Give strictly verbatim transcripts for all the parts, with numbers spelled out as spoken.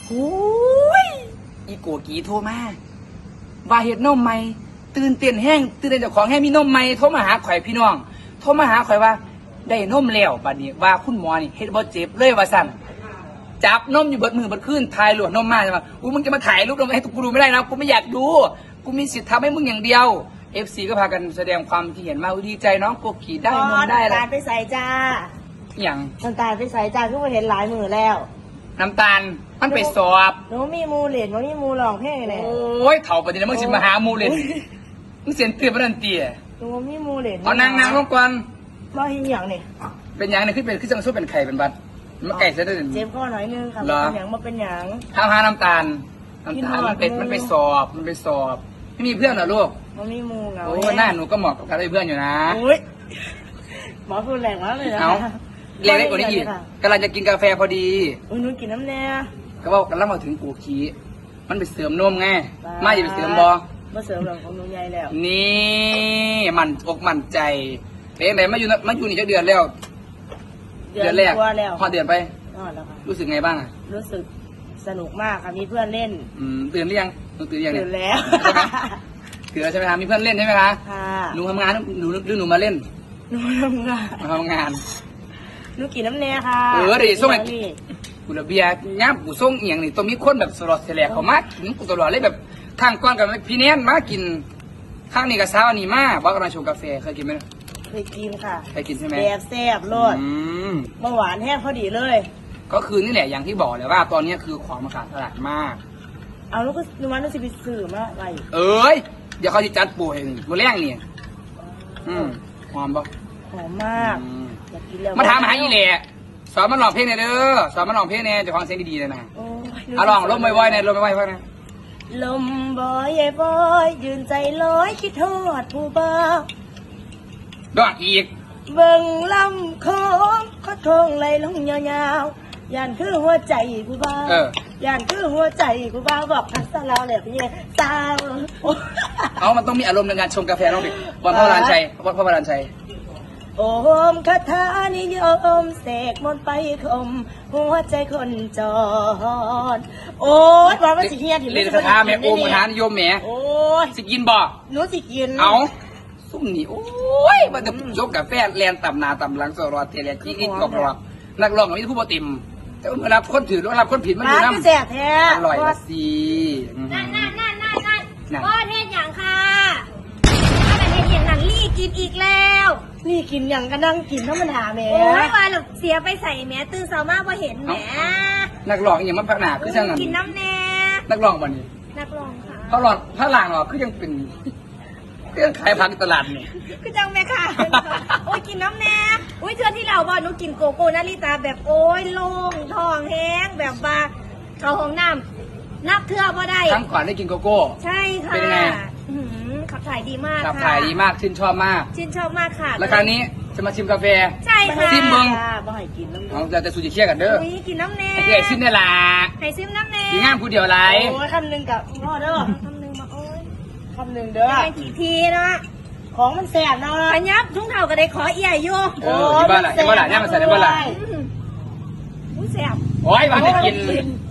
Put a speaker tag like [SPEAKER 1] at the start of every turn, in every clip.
[SPEAKER 1] โอ้ยอีโกกีโทรมาว่าเห็ดนมใหม่ตื่นเต้นแห้งตื่นเต้นเจ้าของแห้งมีนมใหม่โทรมาหาข่อยพี่น้องโทรมาหาข่อยว่าได้นมแล้วบัดนี้ว่าคุณหมอนี่เฮ็ดบ่เจ็บเลยว่าสั่นจับนมอยู่เบิดมือเบิดคืนถ่ายหลวดนมมาใช่ไหมอู้มึงจะมาถ่ายรูปนมให้กูดูไม่ได้นะกูไม่อยากดูกูมีสิทธิ์ทำให้มึงอย่างเดียว เอฟ ซี ก็พากันแสดงความที่เห็นมาดีใจน้องโกกีได้นมได้
[SPEAKER 2] น้ำ
[SPEAKER 1] แล้
[SPEAKER 2] ตาว ลไปใส่จ้า
[SPEAKER 1] อย่าง
[SPEAKER 2] น้ำตาลไปใส่จ้าทุกคนเห็นหลายมือแล้ว
[SPEAKER 1] น้ำตาลมันไปสอบ
[SPEAKER 2] หนูมีมูเหรียญหนูมีมูหลองเพลงเลย
[SPEAKER 1] โอ้ยเถ่าปฏิเดี๋ยวมึงสิมาหามูเลยมึงเสียนเตี้ยปนันเตี้ย
[SPEAKER 2] หนูมีมูเหรียญ
[SPEAKER 1] เอานางนางลงก่อน
[SPEAKER 2] บ่เห็นอย่างนี่
[SPEAKER 1] เป็นหยังเนี่ยขึ้นเป็นขึ้นจังสู้เป็นไข่เป็นบัดมันไก่เสียได้
[SPEAKER 2] เจ็บข้อหน่อยนึงค่ะ
[SPEAKER 1] เหรอ
[SPEAKER 2] เป็นอย่างมาเป็นอย่าง
[SPEAKER 1] ข้าวหาน้ำตาล
[SPEAKER 2] กิน
[SPEAKER 1] น้ำตาล
[SPEAKER 2] หอด
[SPEAKER 1] มันเป็น
[SPEAKER 2] มู
[SPEAKER 1] มันไปสอบมันไปสอบไม่มีเพื่อนเหรอลูก
[SPEAKER 2] มันมีมูเหงา
[SPEAKER 1] โอ้หน้าหนูก็เหมาะกับการได้เพื่อนอยู่นะ
[SPEAKER 2] โอ้ยหมอพูดแรงมากเลยนะ
[SPEAKER 1] เอาเล็กๆกว่านี้อีกกำลังจะกินกาแฟพอดี
[SPEAKER 2] อุ้ยหนูกินน้ำแน่
[SPEAKER 1] ก็ว่ากำลังมาถึงกูขี้มันไปเสริมนมไง
[SPEAKER 2] บ้า
[SPEAKER 1] มาอย่าไปเสริมบอ
[SPEAKER 2] มาเสริมหลังของหนูใหญ่แล้ว
[SPEAKER 1] นี่มันอกมันใจเป็นไงมาอยู่นะมาอยู่นี่จะเดือนแล้ว เดือนแรก
[SPEAKER 2] กว่าแล้ว
[SPEAKER 1] พอเดือนไป
[SPEAKER 2] นอนแล้วค่ะ
[SPEAKER 1] รู้สึกไงบ้างอ่ะ
[SPEAKER 2] รู้สึกสนุกมากค่ะมีเพื่อนเล่น
[SPEAKER 1] อืมตื่นหรือยังหนูตื่นหรือยังเนี่
[SPEAKER 2] ตื่
[SPEAKER 1] ย
[SPEAKER 2] นแล้ว
[SPEAKER 1] ตื่นแล้วใช่ไหมคะมีเพื่อนเล่นใช่ไหมคะ
[SPEAKER 2] ค่ะ
[SPEAKER 1] หนูทำงานหนูหรือหนูมาเล่น
[SPEAKER 2] หนูทำงาน
[SPEAKER 1] มาทำงาน
[SPEAKER 2] หนูกินน้ำแน่ค่ะ
[SPEAKER 1] เออเดี๋ยวส่งให้
[SPEAKER 2] นี่
[SPEAKER 1] กูระเบียร์ย่ามกูส่งเอียงนี่ต้องมีคนแบบสลอดเสลกเขามากินกูตลอดเลยแบบข้างก้อนกับพี่แนนมากินข้างนี้กับเช้าอันนี้มาบอกกันมาชงกาแฟเคยกินไหม
[SPEAKER 2] เคยกินค่ะ
[SPEAKER 1] เคยกินใช่ไหม
[SPEAKER 2] แซ่บแซ่บโลด
[SPEAKER 1] อืม
[SPEAKER 2] เบาหวานแห้งพอดีเลย
[SPEAKER 1] ก็คือนี่แหละอย่างที่บอกเลยว่าตอนนี้คือของมันขาดตลาดมาก
[SPEAKER 2] เอาลูกก็หนูว่าหนูจะไปซื้อมาอะไร
[SPEAKER 1] เอ้ยเดี๋ยวเขาจะจัดปูให้นี่มือแรงนี่อืมหอมปะ
[SPEAKER 2] หอมมาก
[SPEAKER 1] อืม
[SPEAKER 2] อยากกินแล้ว
[SPEAKER 1] มาถามหาอีแหละสอนมันลองเพลงหน่อยเด้อสอนมันลองเพลงเนี่ยจะฟังเสียงดีๆเลยนะ
[SPEAKER 2] โอ้ย
[SPEAKER 1] เอาลองลมบ่อยๆเนี่ยลมบ่อยๆเพื่อนนะ
[SPEAKER 2] ลมบอยบอยยืนใจลอยคิดทอดผู้บ่าว
[SPEAKER 1] ดอกอีก
[SPEAKER 2] เบิ่งลำโค้งเขาทงไหลลงยาวๆย่านคือหัวใจผู้บ่าว
[SPEAKER 1] เออ
[SPEAKER 2] ย่านคือหัวใจผู้บ่าวบอกทักษะเราเลยพี่สาวโอ้
[SPEAKER 1] เอามันต้องมีอารมณ์ในการชงกาแฟน้องดิวันพ่อวรานชัยวันพ่อวรานชัย
[SPEAKER 2] โอมคาถานิยมเสกมนต์ไปคมหัวใจคนจรโอ้ยว่ามันสิเฮียถึง
[SPEAKER 1] เล่นคาถาแม่โอมคาถานิยมแหม่
[SPEAKER 2] โอ้ย
[SPEAKER 1] สิกินบ่
[SPEAKER 2] หนูสิกิน
[SPEAKER 1] เอาซุ่มนี่โอ้ยมันจะชงกาแฟแลนต่ำหนาต่ำหลังสรอดเทเลจีอิดกรอบๆนักร้องกับมีผู้ปติมแต่เมื่อรับคนถือรับคนผิดมันอยู่
[SPEAKER 2] ร้าน
[SPEAKER 1] น้ำ
[SPEAKER 2] ก็แซ่บแท้
[SPEAKER 1] อร่อยละสิ
[SPEAKER 3] นั่นนั่นนั่นนั่นนั่น
[SPEAKER 1] นั่น
[SPEAKER 3] พ่อเทศอย่างค่ะถ้าเป็นเทศอย่างนั้นลี่กินอีกแล้ว
[SPEAKER 2] นี่กินอย่างก็นั่งกินธรรมดาแหม่
[SPEAKER 3] โอ้ยว่าหลบเสียไปใส่แหม่ตื่นเช้ามากพอเห็นแหม่
[SPEAKER 1] นักร้องอย่างมันพักหนาคือช่างนั้น
[SPEAKER 3] กินน้ำแน่
[SPEAKER 1] นักร้องวันนี้
[SPEAKER 3] นักร้องค่ะ
[SPEAKER 1] เขาหลอดถ้าหลางหรอคือยังเป็นเครื่องขายผักตลาดนี่
[SPEAKER 3] คือจังแม่ค่ะ โอ้ยกินน้ำแน่โอ้ยเชื่อที่เราบอกหนูกินโกโก้นาริตาแบบโอ้ยโล่งท้องแห้งแบบว่าเขาห้องน้ำนับเทื่อบ่ได้
[SPEAKER 1] ครั้งก่อนได้กินโกโก้
[SPEAKER 3] ใช่ค่ะ
[SPEAKER 1] เป็นยังไง
[SPEAKER 3] อื้อหือขับถ่ายดีมาก
[SPEAKER 1] ขับ
[SPEAKER 3] ค่ะ
[SPEAKER 1] ถ่ายดีมากชื่นชอบมาก
[SPEAKER 3] ชื่นชอบมากค่ะ
[SPEAKER 1] แล้วคราวนี้จะมาชิมกาแฟ
[SPEAKER 3] ใช่ค่ะ
[SPEAKER 1] ซิมเบิ้ง
[SPEAKER 2] บ่ให้กินน้ำ
[SPEAKER 1] เอาแต่แต่สูจิเชียร์กันเด้อ
[SPEAKER 3] อุ้ยกินน้ำแน่
[SPEAKER 1] ไอ้ที่ไอ้ซิมเนี่ยล่ะ
[SPEAKER 3] ไข่ซิมน้ำแน่
[SPEAKER 1] ดีงามผู้เดียวไร
[SPEAKER 2] โอ้ยคำหนึ่งกับพ่อเด้อ
[SPEAKER 3] คำหนึ่งมาโอ้ย
[SPEAKER 2] คำหนึ่งเด้อ
[SPEAKER 3] แกงกี่ทีเนาะ
[SPEAKER 2] ของมันแซ่บเนาะ
[SPEAKER 3] ปัญญับทุ่งเท่าก็ได้ขอเอี่ยอยู่
[SPEAKER 1] เออที่บ้านล่ะที่บ้านล่ะเนี่ยมันใส่ในบ้านล่ะ
[SPEAKER 3] อืมอุ้ยแซ่บ
[SPEAKER 1] โอ้ยบ้านจะกิน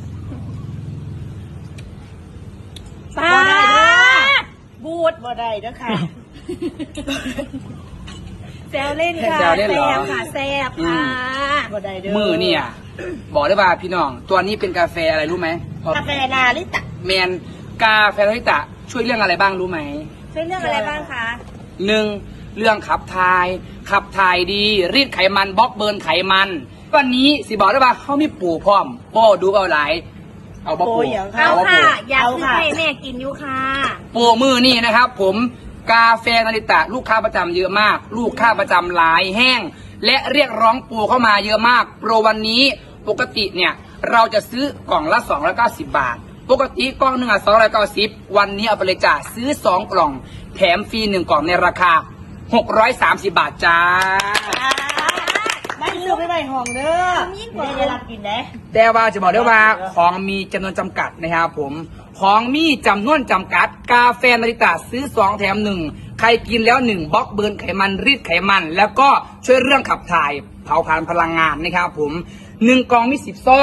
[SPEAKER 3] ปลา
[SPEAKER 2] บ่ได้เด้อ
[SPEAKER 3] บูด
[SPEAKER 2] บ่ได้เด้อค่ะ
[SPEAKER 3] แซวเล่นค่ะ
[SPEAKER 1] แซวเล่นเหรอ
[SPEAKER 3] บค่ะแซ่บค่ะ
[SPEAKER 2] บ่ได้เด้อ
[SPEAKER 1] มือเนี่ยบอกได้ว่าพี่น้อง ตัวนี้เป็นกาแฟอะไรรู้ไหม
[SPEAKER 2] กาแฟนาลิตะ
[SPEAKER 1] แมนกาแฟโรฮิตะช่วยเรื่องอะไรบ้างรู้ไหม
[SPEAKER 3] ช่วยเรื่องอะไรบ้างคะ
[SPEAKER 1] หนึ่งเรื่องขับถ่าย ขับถ่ายดี รีดไขมันบล็อกเบิร์นไขมัน วันนี้สิบอกได้ว่าเขามีปู่พร้อมบ่ดูเอาหลายเอาบ่
[SPEAKER 2] โอ้
[SPEAKER 1] ปู่
[SPEAKER 2] ยอย่าง
[SPEAKER 3] เอา
[SPEAKER 1] บ่
[SPEAKER 3] ค่ะ
[SPEAKER 1] ปู่
[SPEAKER 3] อยาก
[SPEAKER 2] เอา
[SPEAKER 3] ซื้อ
[SPEAKER 2] ค่ะ
[SPEAKER 3] ให้แม่กินอยู่ค่ะ
[SPEAKER 1] ปู่มือนี่นะครับ ผมกาแฟนาริตะ ลูกค้าประจำเยอะมาก ลูกค้าประจำหลายแห้ง และเรียกร้องปู่เข้ามาเยอะมากโปรวันนี้ปกติเนี่ยเราจะซื้อกล่องละสองร้อยเก้าสิบบาท ปกติกล่องหนึ่งอ่ะสองร้อยเก้าสิบวันนี้เอาไปเลยจ้าซื้อสองกล่องแถมฟรีหนึ่งกล่องในราคาหกร้อยสามสิบบาทจ้า
[SPEAKER 2] ไม่ซื้อไปใบห้องเด้อไม่ได้รับกินเด้
[SPEAKER 1] แต่ว่าจะบอกได้ว่าของมีจำนวนจำกัดนะครับผมของมีจำนวนจำกัด กาแฟนาริตะซื้อสองแถมหนึ่งใครกินแล้วหนึ่งบล็อกเบิร์นไขมันรีดไขมัน แล้วก็ช่วยเรื่องขับถ่ายเผาผลาญพลังงานนะครับผมหนึ่งกล่องมีสิบซอง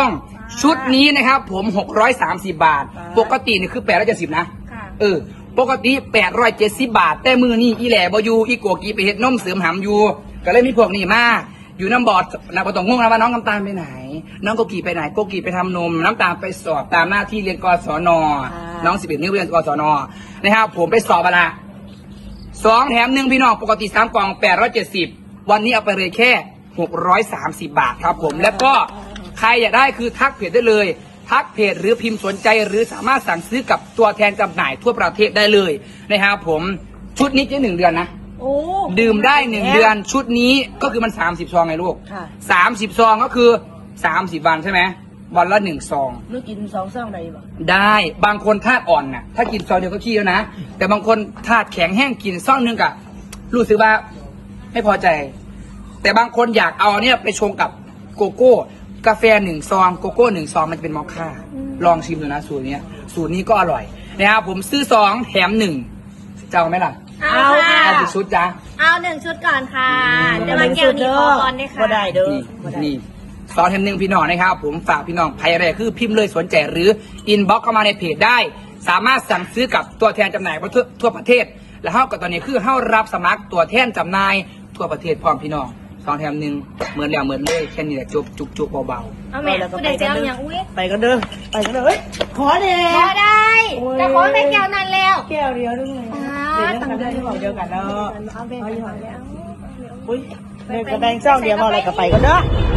[SPEAKER 1] ชุดนี้นะครับผมหกร้อยสามสิบบาท ปกตินี่คือแปดร้อยเจ็ดสิบนะ
[SPEAKER 3] ค่ะ
[SPEAKER 1] เออ ปกติแปดร้อยเจ็ดสิบบาท แต่มือนี่อีแหล่บอยู่อีโกกีไปเฮ็ดนมเสริมหำอยู่ ก็เลยมีพวกนี้มา อยู่น้ำบอดนะปตองงงนะว่าน้องน้ำตาลไปไหน น้องโกกีไปไหน โกกีไปทำนม น้ำตาลไปสอบตามหน้าที่เรียนกศน น้องสิบเอ็ดนิ้วเรียนกศน นะครับผมไปสอบมาละสองแถมหนึ่งพี่น้อง ปกติสามกล่องแปดร้อยเจ็ดสิบวันนี้เอาไปเลยแค่หกร้อยสามสิบบาทครับผม แล้วก็ใครอยากได้คือทักเพจได้เลย ทักเพจหรือพิมพ์สนใจหรือสามารถสั่งซื้อกับตัวแทนจำหน่ายทั่วประเทศได้เลยนะครับผม ชุดนี้จะหนึ่งเดือนนะ
[SPEAKER 2] โอ้
[SPEAKER 1] ดื่มได้หนึ่งเดือนชุดนี้ก็คือมันสามสิบซองไงลูก
[SPEAKER 2] ค่ะ
[SPEAKER 1] สามสิบซองก็คือสามสิบวันใช่ไหมวันละหนึ่งซอง
[SPEAKER 2] ลูกกินสองซองได้บ่
[SPEAKER 1] ได้บางคนธาตุอ่อนน่ะถ้ากินซองเดียวก็ขี้แล้วนะแต่บางคนธาตุแข็งแห้งกินซองหนึงกะรู้สึกว่าไม่พอใจ แต่บางคนอยากเอาเนี่ยไปชงกับโกโก้กาแฟหนึ่งซองโกโก้หนึ่งซองมันจะเป็นมอคค่าลองชิมดูนะสูตรเนี้ยสูตรนี้ก็อร่อยนะครับผมซื้อสองแถมหนึ่งจะเอาไหมล่ะ
[SPEAKER 3] เอาค่ะ
[SPEAKER 1] เอากี่ชุดจ้ะ
[SPEAKER 3] เอาหนึ่งชุดก่อนค่ะ
[SPEAKER 1] อืม
[SPEAKER 3] เดี๋ยวมาแก้วนี้ขอก่อนด้วยค่ะ
[SPEAKER 2] บ่ได้เด้อ
[SPEAKER 1] นี่
[SPEAKER 2] บ่ได้
[SPEAKER 1] นี่สอนแถมหนึ่งพี่น้องนะครับผมฝากพี่น้องใครอะไรคือพิมพ์เลยสนใจหรืออินบ็อกเข้ามาในเพจได้ สามารถสั่งซื้อกับตัวแทนจำหน่ายทั่วทั่วประเทศ และเท่ากับตอนนี้คือเท่ารับสมัครตัวแทนจำหน่ายทั่วประเทศพร้อมพี่น้องสองแถมหนึ่งเหมือนแล้วเหมือนเลยแค่นี้แหละจุบจุบจุบเบา
[SPEAKER 3] เอาแม่ผู้ใดจะเอาอย่างอุ้ย
[SPEAKER 2] ไปกันเด้อไปกันเด้อเฮ้ยขอเด้
[SPEAKER 3] พอได้ แต่ขอได้แก้วนั้นแล้ว
[SPEAKER 2] แก้วเดียวด้วย
[SPEAKER 3] อ่า
[SPEAKER 2] เดี๋ยวกันเด้อที่บอกเดียวกันเนาะ
[SPEAKER 3] เอาไป
[SPEAKER 2] เอา
[SPEAKER 3] ไป
[SPEAKER 2] อยู่
[SPEAKER 3] ไป
[SPEAKER 2] ห่าง
[SPEAKER 3] แล้ว
[SPEAKER 2] อุ้ยเดินกระแบงเจ้าเดียวมาอะไรกับไปกันเด้อ